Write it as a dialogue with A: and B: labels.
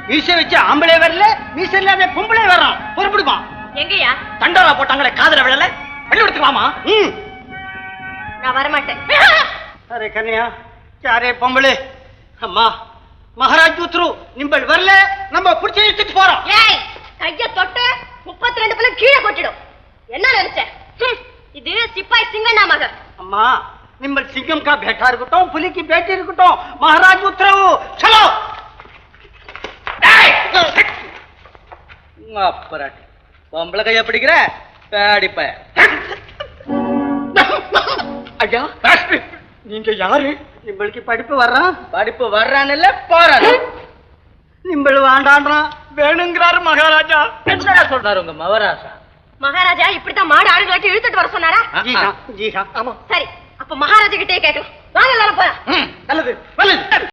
A: மீசை வச்சு ஆம்பளை வரல, மீசை இல்லாத பொம்பளை வர்றான். பொறுப்பிடுமா?
B: எங்கயா
A: தண்டோரா போட்டாங்களே காதல விழல, வெளில எடுத்துக்கலாமா?
B: நான் வரமாட்டேன்.
A: அரே கன்யா, யாரே பொம்பளை? அம்மா மகாராஜ் உத்ரு நிம்பள் வரல, நம்ம புடிச்சு இழுத்துட்டு போறோம்.
B: ஏய், கைய தொட்டு 32 பிள்ளை கீழே கொட்டிடும். என்ன நினைச்ச? இது சிப்பாய் சிங்கண்ணா மகன்.
A: அம்மா நிம்பள் சிங்கம் கா பேட்டா இருக்கட்டும், புலி की बेटी இருக்கட்டும், மகாராஜ் உத்தரவு. चलो அப்பராட்டி பொம்பளை கைய பிடிக்கிற பேடிப்ப. ஐயா நீங்க யாரு? நிம்பளுக்கு படிப்பு வர்றான். படிப்பு வர்றான் இல்ல போறான். நிம்பள் வாண்டான்றான், வேணுங்கிறாரு மகாராஜா. என்ன சொல்றாரு உங்க மகாராஜா?
B: மகாராஜா இப்படித்தான் மாடு ஆளுங்களாட்டி இழுத்துட்டு வர சொன்னாரா?
A: ஜி ஆமா.
B: சரி, அப்ப மகாராஜா கிட்டே கேட்கலாம். வாங்க எல்லாரும் போலாம்.
A: நல்லது நல்லது.